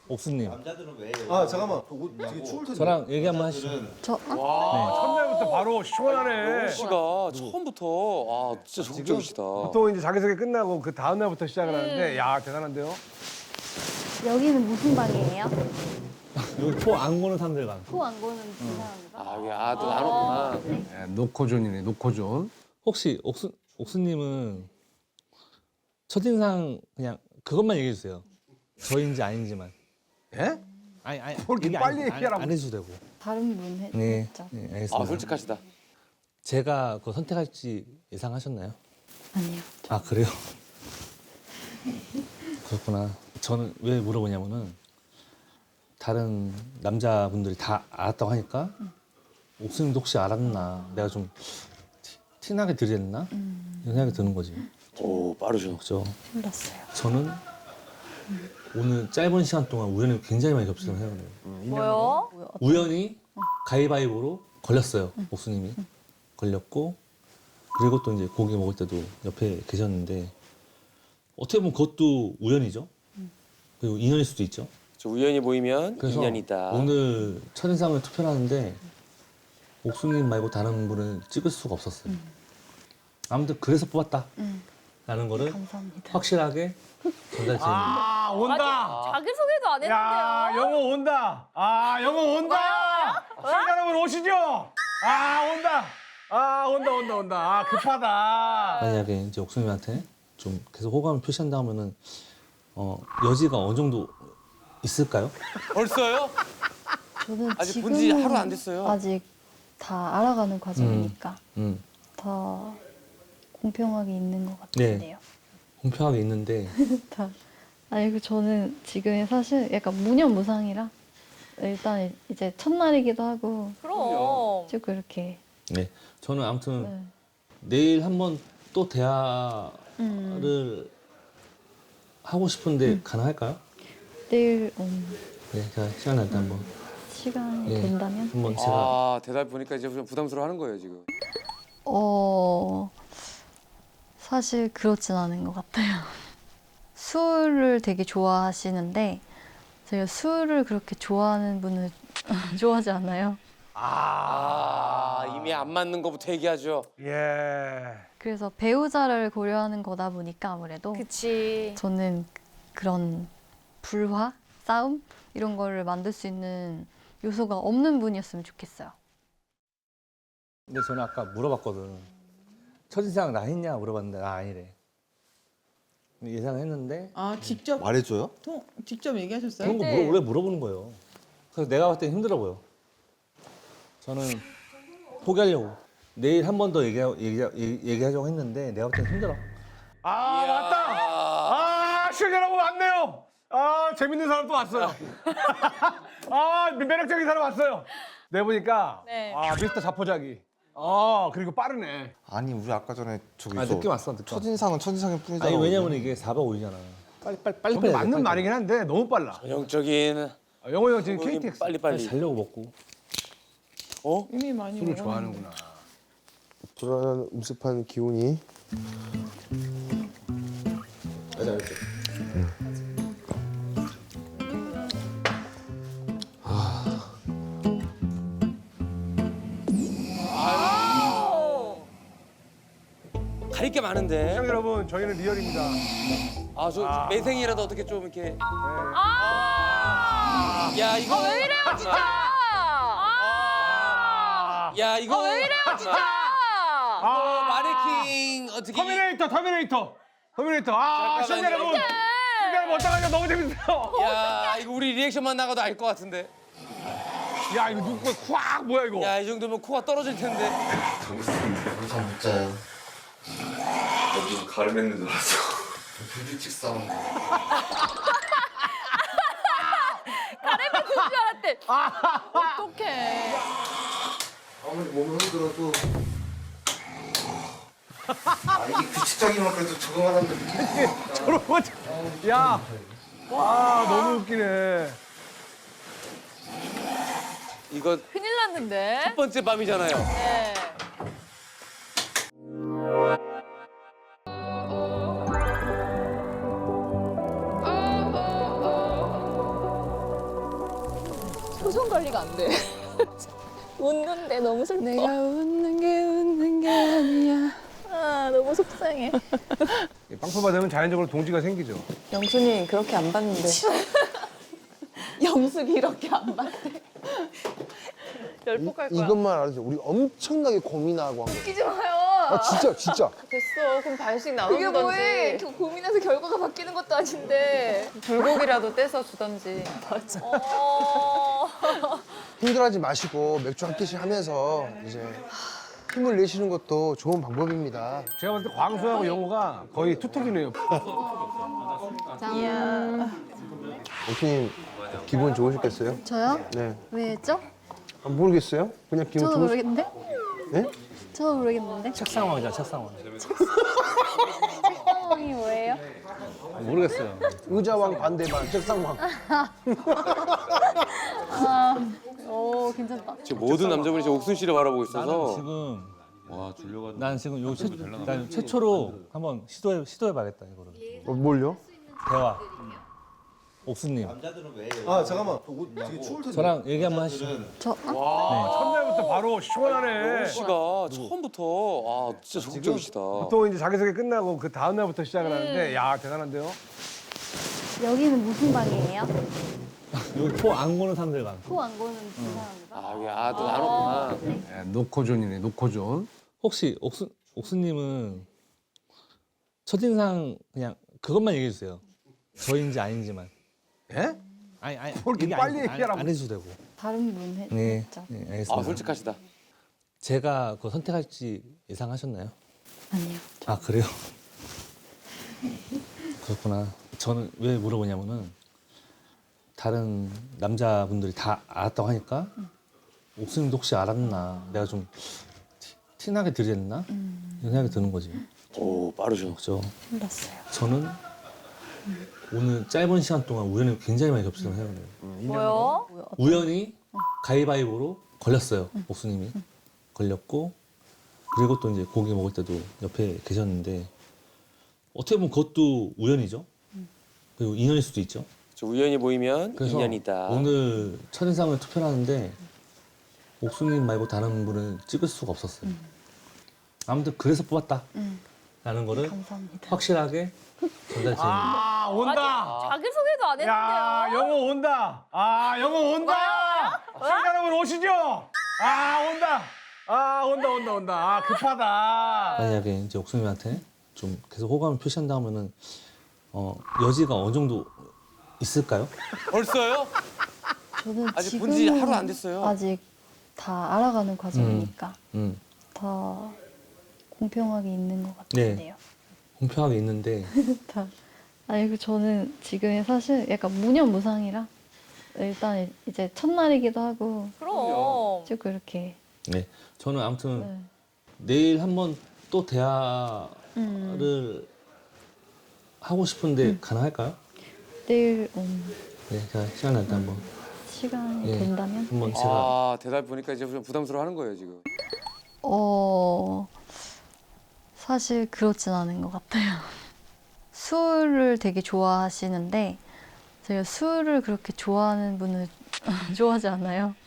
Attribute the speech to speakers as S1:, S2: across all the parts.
S1: 옥수님.
S2: 남자들은 왜?
S3: 아 잠깐만. 옷 되게 추울 텐데.
S1: 저랑 얘기 한번 하시죠.
S4: 첫날부터 바로 시원하네.
S5: 씨가 처음부터 진짜 적극적이시다.
S4: 보통 이제 자기소개 끝나고 그 다음 날부터 시작을 하는데 야 대단한데요.
S6: 여기는 무슨 방이에요?
S1: 여기 코 안 고는 사람들 방.
S6: 코 안 고는 사람인가?
S5: 또 나눴구나.
S4: 네, 노코존이네 노코존.
S1: 혹시 옥수님은 첫인상 그냥 그것만 얘기해 주세요. 저인지 아닌지만.
S4: 예?
S1: 아니
S4: 그렇게
S1: 얘기
S4: 빨리 얘기하라고.
S1: 안 해주셔도 되고.
S6: 다른 분
S1: 네,
S6: 했죠?
S1: 네 알겠습니다.
S5: 솔직하시다.
S1: 제가 그거 선택할지 예상하셨나요?
S6: 아니요.
S1: 아 그래요? 그렇구나. 저는 왜 물어보냐면은 다른 남자분들이 다 알았다고 하니까 옥수님도 혹시 알았나? 내가 좀 티나게 드렸나? 이런 생각이 드는 거지.
S5: 오 빠르죠.
S1: 그렇죠.
S6: 몰랐어요.
S1: 저는 오늘 짧은 시간 동안 우연히 굉장히 많이 겹치는 생각을 해요.
S7: 뭐요?
S1: 우연히 가위바위보로 걸렸어요. 옥수님이 걸렸고 그리고 또 이제 고기 먹을 때도 옆에 계셨는데 어떻게 보면 그것도 우연이죠. 그리고 인연일 수도 있죠.
S5: 저 우연히 보이면
S1: 그래서
S5: 인연이 있다.
S1: 오늘 첫인상을 투표를 하는데 옥수님 말고 다른 분을 찍을 수가 없었어요. 아무튼 그래서 뽑았다라는 거를
S6: 감사합니다.
S1: 확실하게 전달드립니다.
S4: 아 온다.
S7: 자기 소개도 안
S4: 야
S7: 했는데요.
S4: 영어 온다. 아 영어 온다. 시청자 여러분 오시죠. 아 온다. 아 온다. 아 급하다.
S1: 만약에 이제 옥수님한테 좀 계속 호감을 표시한다면은 여지가 어느 정도 있을까요?
S5: 벌써요?
S6: 저는
S5: 아직
S6: 지금
S5: 본지 하루 안 됐어요.
S6: 아직 다 알아가는 과정이니까
S1: 음.
S6: 더 공평하게 있는 것
S1: 네.
S6: 같은데요.
S1: 공평하게 있는데
S6: 다. 아니 그 저는 지금 사실 약간 무념무상이라 일단 이제 첫날이기도 하고
S7: 그럼.
S6: 쭉 그렇게.
S1: 네 저는 아무튼
S6: 네.
S1: 내일 한번 또 대화를 하고 싶은데 가능할까요?
S6: 내일
S1: 네 제가 시간 날 때 한번
S6: 시간이
S1: 예.
S6: 된다면
S1: 한번 제가
S5: 대답 보니까 이제 좀 부담스러워하는 거예요 지금.
S6: 사실 그렇진 않은 것 같아요. 술을 되게 좋아하시는데 제가 술을 그렇게 좋아하는 분을 좋아하지 않아요.
S5: 이미 안 맞는 거부터 얘기하죠.
S4: 예.
S6: 그래서 배우자를 고려하는 거다 보니까 아무래도
S7: 그치.
S6: 저는 그런 불화, 싸움 이런 거를 만들 수 있는 요소가 없는 분이었으면 좋겠어요.
S1: 근데 저는 아까 물어봤거든. 첫인상 나 했냐 물어봤는데 나 아니래. 근데 예상했는데
S8: 아 직접
S3: 말해줘요?
S8: 직접 얘기하셨어요?
S1: 그런 거 원래 물어보는 거예요. 그래서 내가 봤을 때 힘들어 보여. 저는 포기하려고. 내일 한 번 더 얘기하자고 했는데 내가 봤을 때 힘들어.
S4: 아 맞다. 시청자 여러분 왔네요. 재밌는 사람 또 왔어요. 매력적인 사람 왔어요. 내 보니까
S7: 네.
S4: 미스터 자포자기. 그리고 빠르네.
S3: 아니 우리 아까 전에 저기
S1: 느낌 왔어 느낌.
S3: 첫인상은 첫인상일 뿐이잖아.
S1: 아니 왜냐면 이게 4박 5일이잖아. 빨리
S4: 저게 맞는 말이긴 한데 너무 빨라.
S5: 전형적인
S4: 영호 형 지금 KTX
S5: 빨리.
S1: 자려고 먹고.
S8: 이미 많이
S4: 술을
S8: 먹었는데.
S4: 좋아하는구나.
S9: 불안한 음습한 기운이
S5: 가릴 게 많은데.
S4: 시청자 여러분 저희는 리얼입니다.
S5: 저 매생이라도 어떻게 좀 이렇게.
S7: 아!
S5: 야 이거.
S7: 왜 이래요 진짜? 아!
S5: 야 이거.
S7: 왜 이래요 진짜?
S5: 마네킹 어떻게.
S4: 터미네이터. 시청자 여러분. 시청자 여러분 어떡하냐 너무 재밌어요.
S5: 야 이거 우리 리액션만 나가도 알 것 같은데.
S4: 야 이거 누구 거콱 뭐야 이거.
S5: 야 이 정도면 코가 떨어질 텐데.
S3: 잠못 자요.
S10: 무슨 가르맨는 줄 알았어.
S3: 불규칙 싸움.
S7: 가래면 그줄 알았대. 어떡해.
S3: 아무리 몸을 흔들어도 이게 규칙적인 건 그래도 적응하는데.
S4: 야. 너무 웃기네.
S5: 이거
S7: 큰일 났는데.
S5: 첫 번째 밤이잖아요.
S7: 네. 표정 관리가 안 돼. 웃는데 너무 슬퍼.
S6: 내가 웃는 게 아니야.
S7: 아, 너무 속상해.
S4: 빵표 받으면 자연적으로 동지가 생기죠.
S8: 영순이 그렇게 안 봤는데. 영숙이 이렇게 안 봤대. 열폭할 거야.
S9: 이것만 알아주세요. 우리 엄청나게 고민하고 한 거.
S7: 웃기지 마요.
S9: 아 진짜.
S8: 됐어. 그럼 반씩
S7: 그게 뭐해?
S8: 나눠주던지.
S7: 그 고민해서 결과가 바뀌는 것도 아닌데.
S8: 불고기라도 떼서 주던지.
S9: 힘들어하지 마시고 맥주 한 캔씩 하면서 이제 힘을 내시는 것도 좋은 방법입니다.
S4: 제가 봤을 때 광수하고 영호가 거의 투톱이네요.
S9: 옥수님 기분 좋으셨겠어요?
S6: 저요?
S9: 네.
S6: 왜죠?
S9: 아, 모르겠어요? 그냥 기분
S6: 저도 모르겠는데?
S9: 네?
S6: 저도 모르겠는데?
S1: 책상왕이잖아, 책상왕.
S6: 상황이 뭐예요?
S1: 모르겠어요.
S9: 의자왕 반대반 책상왕.
S6: 오, 괜찮다.
S5: 지금 모든 남자분이 지금 옥순 씨를 바라보고
S1: 나는
S5: 있어서.
S1: 지금
S10: 와 주려고 하는
S1: 난 지금 난 최초로 한번 시도해봐야겠다 이거를.
S9: 뭘요?
S1: 대화. 옥수님.
S3: 아 잠깐만. 옷 되게 추울 텐데.
S1: 저랑 얘기 한번 하시죠.
S4: 첫날부터 바로 시원하네.
S5: 영호 씨가 처음부터 아 진짜 적극적이시다.
S4: 보통 이제 자기소개 끝나고 그 다음 날부터 시작을 하는데 야 대단한데요.
S6: 여기는 무슨 방이에요?
S1: 여기 코 안 고는 사람들 방.
S6: 코 안 고는 두 사람인가?
S5: 아 이게 또 나눴구나.
S4: 네, 노코존이네 노코존.
S1: 혹시 옥수님은 첫인상 그냥 그것만 얘기해 주세요. 저인지 아닌지만.
S4: 예?
S1: 아니
S4: 뭘 이렇게
S1: 얘기
S4: 빨리 얘기하라고.
S1: 안 해주셔도 되고.
S6: 다른 분
S1: 네,
S6: 했죠?
S1: 네 알겠습니다.
S5: 아 솔직하시다.
S1: 제가 그거 선택할지 예상하셨나요?
S6: 아니요.
S1: 아 그래요? 그렇구나. 저는 왜 물어보냐면은 다른 남자분들이 다 알았다고 하니까 옥수님도 혹시 알았나? 내가 좀 티나게 드렸나? 이런 생각이 드는 거지.
S5: 오 빠르죠.
S1: 그죠?
S6: 몰랐어요.
S1: 저는 오늘 짧은 시간 동안 우연히 굉장히 많이 겹치는 생각을 해요.
S7: 뭐요?
S1: 우연히 가위바위보로 걸렸어요. 옥수님이 걸렸고 그리고 또 이제 고기 먹을 때도 옆에 계셨는데 어떻게 보면 그것도 우연이죠. 그리고 인연일 수도 있죠.
S5: 저 우연히 보이면
S1: 그래서
S5: 인연이다.
S1: 오늘 첫인상을 투표를 하는데 옥수님 말고 다른 분을 찍을 수가 없었어요. 아무튼 그래서 뽑았다. 라는 거를
S6: 감사합니다.
S1: 확실하게 전달드립니다.
S4: 아 온다.
S7: 자기 소개도 안
S4: 야
S7: 했는데요.
S4: 영호 온다. 아 영호 온다. 시청자 여러분 오시죠. 아 온다. 아 온다. 아 급하다.
S1: 만약에 이제 옥수님한테 좀 계속 호감을 표시한다면은 여지가 어느 정도 있을까요?
S5: 벌써요?
S6: 저는
S5: 아직 본지 하루 안 됐어요.
S6: 아직 다 알아가는 과정이니까
S1: 음.
S6: 더 공평하게 있는 것
S1: 네.
S6: 같은데요.
S1: 공평하게 있는데
S6: 다. 아니, 저는 지금 사실 약간 무념무상이라 일단 이제 첫날이기도 하고
S7: 그럼.
S6: 쭉 이렇게
S1: 네. 저는 아무튼
S6: 네.
S1: 내일 한번 또 대화를 하고 싶은데 가능할까요?
S6: 내일
S1: 네, 제가 시간 날 때 한번
S6: 시간이
S1: 예.
S6: 된다면
S1: 한번 제가
S5: 아 대답 보니까 이제 좀 부담스러워하는 거예요 지금.
S6: 사실 그렇진 않은 것 같아요. 술을 되게 좋아하시는데 제가 술을 그렇게 좋아하는 분을 좋아하지 않아요.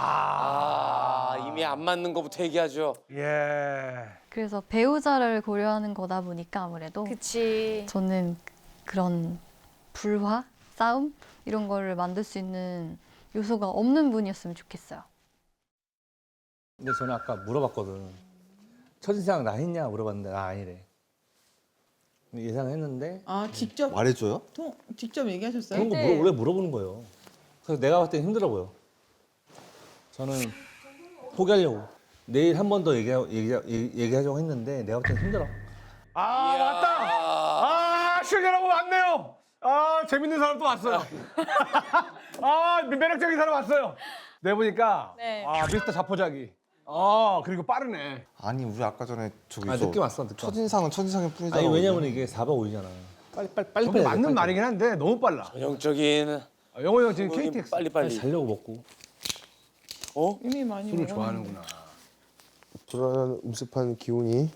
S5: 아 이미 안 맞는 거부터 얘기하죠.
S4: 예.
S6: 그래서 배우자를 고려하는 거다 보니까 아무래도
S7: 그치.
S6: 저는 그런 불화, 싸움 이런 거를 만들 수 있는 요소가 없는 분이었으면 좋겠어요.
S1: 근데 저는 아까 물어봤거든. 첫인상 나 했냐 물어봤는데 나 아니래. 근데 예상을 했는데
S8: 아 직접
S3: 말해줘요?
S8: 직접 얘기하셨어요?
S1: 그런 거 원래 물어보는 거예요. 그래서 내가 봤을 때 힘들어 보여. 저는 포기하려고. 내일 한 번 더 얘기하자고 했는데 내가 봤을 때 힘들어.
S4: 아
S5: 이야.
S4: 왔다. 아 시청자 여러분 왔네요. 아 재밌는 사람 또 왔어요. 아 매력적인 사람 왔어요. 내 보니까
S7: 네.
S4: 아 미스터 자포자기. 아 그리고 빠르네.
S3: 아니 우리 아까 전에 저기
S1: 아 느낌 왔어 느낌.
S3: 첫인상은 첫인상의 뿐이잖아.
S1: 아니 왜냐면 이게 4박 5일이잖아. 빨리
S4: 저게 맞는 말이긴 한데 너무 빨라.
S5: 전형적인
S4: 영호 형 지금 KTX
S5: 빨리.
S1: 자려고 먹고.
S8: 이미 많이
S4: 술을
S8: 먹었는데.
S4: 좋아하는구나.
S9: 불안한 음습한 기운이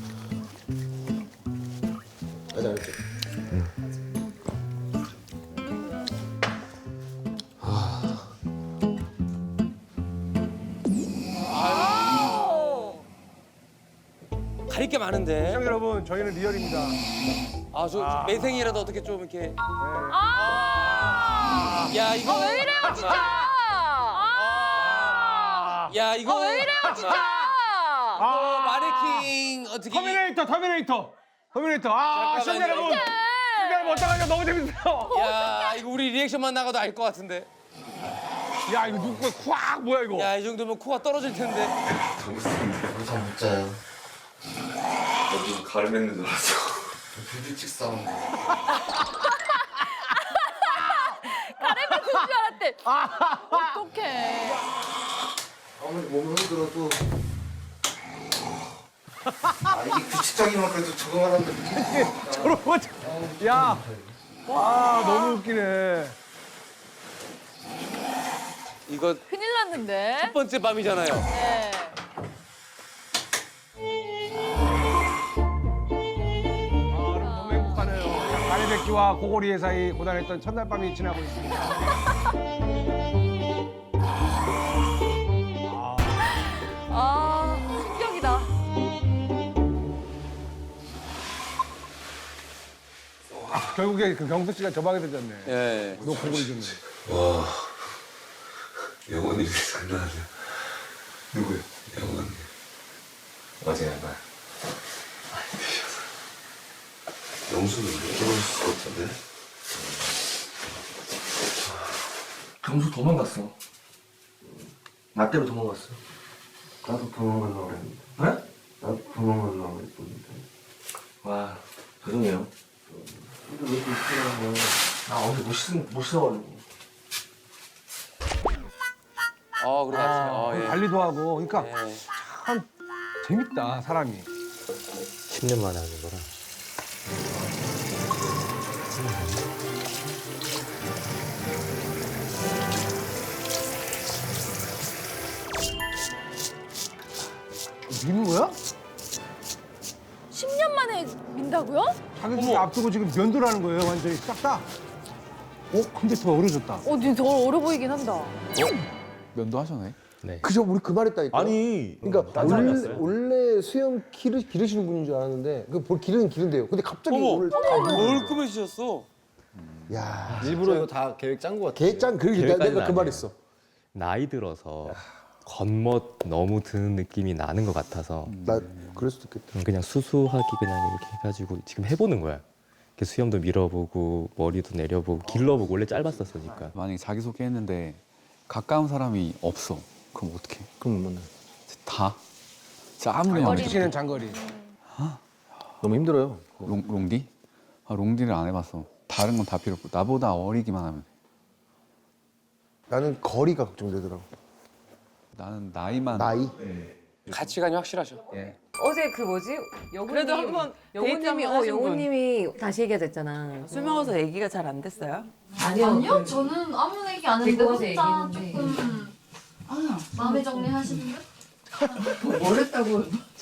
S1: 맞아 알지.
S5: 할 게 많은데.
S4: 시청자 여러분, 저희는 리얼입니다.
S5: 아, 저 매생이라도 어떻게 좀 이렇게. 야, 이거.
S7: 왜 이래요 진짜?
S5: 야, 이거.
S7: 왜 이래요 진짜?
S5: 이거 마네킹 어떻게.
S4: 터미네이터.
S5: 잠깐만요.
S4: 아, 시청자 여러분. 시청자 여러분, 어떡하냐. 너무 재밌어요.
S5: 야, 이거 우리 리액션만 나가도 알 것 같은데.
S4: 야, 이거 누구 거야? 콱 뭐야 이거?
S5: 야, 이 정도면 코가 떨어질 텐데.
S3: 잠못 자요.
S10: 무슨 가르쳤는 줄 알았어.
S3: 불규칙 싸움.
S7: 가래비 줄 알았대. 어떡해.
S3: 아무리 몸이 흔들어도 이게 규칙적이면 그래도 적응하는데
S4: 저런 거. 야, 와 너무 웃기네.
S5: 이거
S7: 큰일 났는데.
S5: 첫 번째 밤이잖아요.
S7: 네.
S4: 너무 행복하네요. 가래백기와 고고리의 사이 고단했던 첫날 밤이 지나고 있습니다.
S7: 아, 충격이다.
S4: 결국에 그 경수 씨가 저 방에 들렸네.
S5: 예.
S4: 너 고고리 줬네.
S10: 와, 영원히 장난 아니야. 누구야? 영원히. 어제 한 말. 많이 드셔서. 영수는 못 들어올 수가 없던데?
S3: 경수 도망갔어. 나 때문에 도망갔어. 나도 도망가려고 그랬는데. 네? 나도 도망가려고 그랬는데. 와, 죄송해요. 근데 왜 이렇게 하는 거야? 나 어제 못 씻어가지고.
S5: 그래. 아, 예.
S4: 관리도 하고, 그러니까
S5: 예.
S4: 참 재밌다 사람이.
S1: 10년 만에 하는 거라.
S4: 미는 거야?
S7: 10년 만에 민다고요?
S4: 자격증 앞두고 지금 면도라는 거예요, 완전히 싹 다. 근데 더 어려졌다.
S7: 근데 더 어려 보이긴 한다.
S2: 면도하셨네.
S1: 네.
S9: 그저 우리 그 말했다니까.
S1: 아니,
S9: 그러니까 원래 수염 기르시는 분인 줄 알았는데 그 기른대요. 근데 갑자기
S5: 어머.
S9: 오늘
S5: 얼끔해지셨어.
S9: 야,
S3: 일부러 이거 다 계획 짠 거 같아.
S9: 개짱 그러니까
S11: 계획까지는
S9: 내가 그
S11: 아니에요.
S9: 말했어.
S11: 나이 들어서 겉멋 너무 드는 느낌이 나는 것 같아서
S9: 나 그럴 수도 있겠다.
S11: 그냥 수수하게 그냥 이렇게 해가지고 지금 해보는 거야. 이렇게 수염도 밀어보고 머리도 내려보고 길러보고 원래 짧았었으니까.
S2: 만약에 자기소개 했는데 가까운 사람이 없어. 그럼 어떡해?
S3: 그럼 못 만나.
S2: 다? 진짜 아무리
S4: 머리
S2: 해도
S4: 치는 장거리.
S3: 너무 힘들어요.
S2: 롱디? 롱디를 안 해봤어. 다른 건 다 필요 없고 나보다 어리기만 하면 돼.
S9: 나는 거리가 걱정되더라고.
S2: 나는 나이만
S9: 나이.
S5: 가치관이 확실하셔.
S8: 어제 그 뭐지?
S12: 그래도 한번 데이트 한번 하신 분.
S8: 영호님이 다시 얘기가 됐잖아.
S12: 술 먹어서 얘기가 잘 안 됐어요?
S6: 아니요, 저는 아무 얘기 안 했는데
S8: 데리고 가서
S6: 혼자
S8: 얘기했는데.
S6: 조금 마음의 정리하시는 분?
S8: 뭘 했다고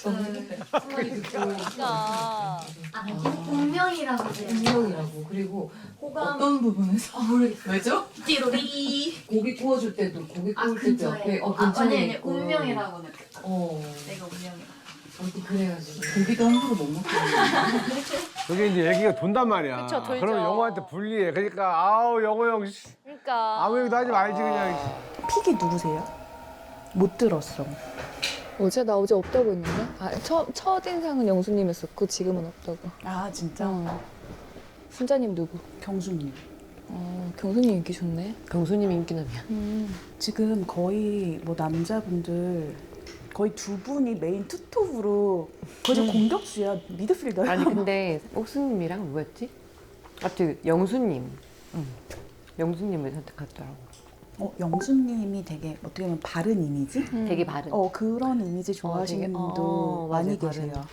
S7: 그러니까.
S6: 계속 운명이라고
S8: 운명이라고. 그리고 호감
S12: 어떤 부분에서?
S6: 모르겠어요.
S12: 왜죠?
S6: 띠로리.
S8: 고기 구워줄 때도 고기 구울 때도
S6: 근처에.
S8: 옆에
S6: 아니,
S8: 있고.
S6: 운명이라고 느꼈다.
S8: 어.
S6: 내가 운명이라고.
S8: 아무튼 그래가지고.
S12: 고기도 함부로 못 먹겠네.
S4: 저게 이제 얘기가 돈단 말이야.
S7: 그쵸, 돌죠.
S4: 그러면 영호한테 불리해. 그러니까 아우 영호 형 씨,
S7: 그러니까.
S4: 아무 얘기도 하지 말지 그냥.
S12: 픽이 누구세요? 못 들었어.
S7: 나 어제 없다고 했는데? 첫인상은 영수님이었었고 지금은 없다고.
S12: 아 진짜?
S7: 순자님 누구?
S12: 경수님.
S7: 경수님 인기 좋네.
S8: 경수님 인기남이야.
S12: 지금 거의 뭐 남자분들 거의 두 분이 메인 투톱으로 거의 좀 공격수야. 미드필더야.
S8: 아니 근데 옥수님이랑 뭐였지? 갑자기 영수님. 영수님을 선택하더라고.
S12: 영수님이 되게 어떻게 보면 바른 이미지?
S8: 되게 바른.
S12: 그런 이미지 좋아하시는
S8: 되게-
S12: 분도
S8: 맞아요,
S12: 많이
S8: 바른.
S12: 계세요.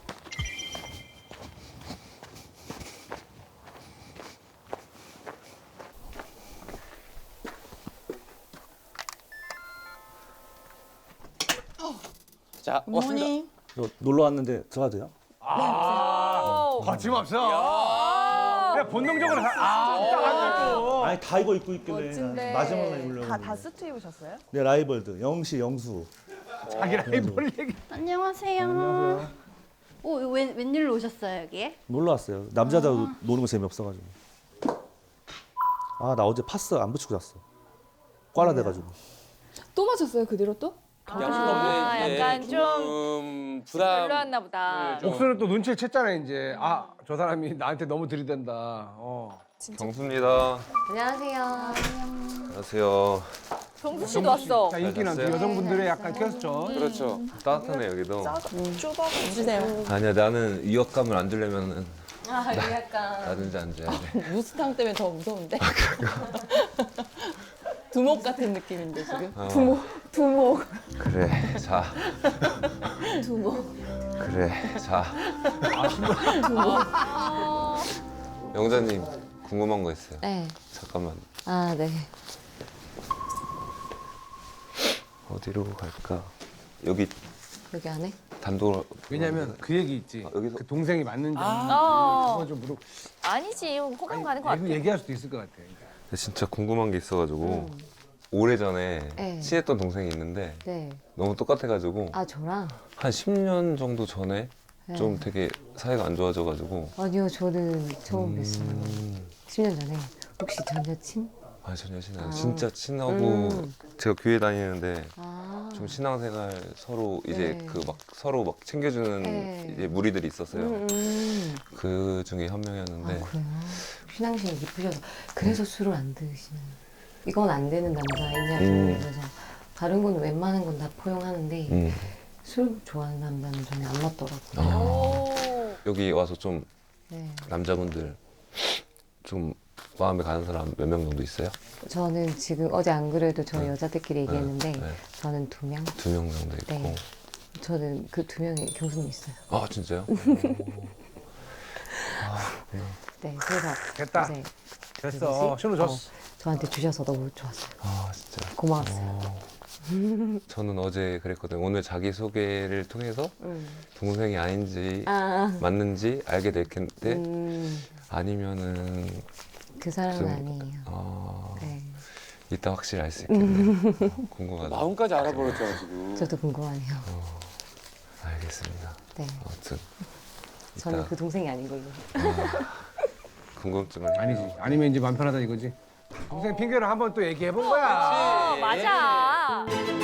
S5: 자, 왔습니다.
S1: 저 놀러 왔는데 들어가도 돼요?
S4: 거침없어. 그냥 본능적으로 딱
S1: 아니 다 이거 입고 있길래
S7: 멋진데.
S1: 마지막 날 입으려고.
S12: 다 수트 입으셨어요?
S1: 내 라이벌들 영시, 영수.
S4: 자기 라이벌 얘기.
S6: 안녕하세요. 웬일로 오셨어요 여기에?
S1: 놀러 왔어요. 남자도 노는 거 재미없어가지고. 아 나 어제 파스 안 붙이고 잤어. 꽈라 돼가지고.
S7: 또 마셨어요 그 뒤로 또?
S5: 약간 좀 불안.
S13: 별로였나 보다.
S4: 옥수는 또 눈치를 챘잖아 이제. 아 저 사람이 나한테 너무 들이댄다.
S10: 경수입니다.
S8: 안녕하세요.
S10: 안녕하세요.
S13: 정수 씨도 왔어.
S4: 자, 인기는
S10: 잘
S4: 여성분들의 약간 퀘스천.
S5: 그렇죠.
S10: 따뜻하네 여기도.
S13: 주세요.
S10: 아니야 나는 위협감을 안 주려면은
S8: 약간
S10: 나든지 앉아야 돼.
S13: 무스탕 때문에 더 무서운데. 두목 같은 느낌인데 지금.
S7: 두목.
S10: 그래 자.
S7: 두목.
S10: 그래 자. 영자님 궁금한 거 있어요.
S8: 네.
S10: 잠깐만.
S8: 아 네.
S10: 어디로 갈까? 여기
S8: 여기 안에?
S10: 단독.
S4: 왜냐면 그 얘기 있지.
S10: 여기서
S4: 그 동생이 맞는지 그거 좀 물어.
S13: 아니지 호감 가는 거
S4: 아니,
S13: 같아.
S4: 얘기할 수도 있을 것 같아.
S10: 진짜 궁금한 게 있어가지고 오래전에
S8: 네.
S10: 친했던 동생이 있는데
S8: 네.
S10: 너무 똑같아가지고
S8: 아 저랑?
S10: 한 10년 정도 전에
S8: 네.
S10: 좀 되게 사이가 안 좋아져가지고.
S8: 아니요 저는 처음 뵀어요. 10년 전에. 혹시 전 여친?
S10: 아니 전 여친
S8: 아.
S10: 진짜 친하고 제가 교회 다니는데
S8: 아.
S10: 좀 신앙생활 서로 이제
S8: 네.
S10: 그 막 서로 막 챙겨주는
S8: 네.
S10: 이제 무리들이 있었어요.
S8: 음.
S10: 그 중에 한 명이었는데
S8: 아 그래요? 신앙심이 깊으셔서 그래서 술을 안 드시는. 이건 안 되는 남자이냐 그래서 다른 건 웬만한 건 다 포용하는데 술 좋아하는 남자는 저는 안 맞더라고요.
S10: 여기 와서 좀
S8: 네.
S10: 남자분들 좀 마음에 가는 사람 몇 명 정도 있어요?
S8: 저는 지금 어제 안 그래도 저희 여자들끼리 얘기했는데
S10: 네.
S8: 저는 2명.
S10: 2명 정도 있고.
S8: 네. 저는 그 2명에 경수님 있어요.
S10: 아 진짜요?
S8: 네, 그래서
S4: 됐다.
S8: 이제
S4: 됐어. 신호 줬어.
S8: 저한테 주셔서 너무 좋았어요.
S10: 아 진짜.
S8: 고마웠어요.
S10: 저는 어제 그랬거든요. 오늘 자기소개를 통해서 동생이 아닌지
S8: 아.
S10: 맞는지 알게 될 텐데 아니면은
S8: 그 사람은
S10: 좀-
S8: 아니에요. 네.
S10: 이따 확실히 알 수 있겠네요. 궁금하다.
S5: 마음까지 알아버렸잖아 지금.
S8: 저도 궁금하네요.
S10: 알겠습니다.
S8: 네.
S10: 아무튼
S8: 저는
S10: 이따
S8: 그 동생이 아닌 걸로.
S10: 궁금증을
S4: 아니지. 아니면 이제 마음 편하다 이거지. 동생 핑계를 한번 또 얘기해 본 거야.
S13: 맞아.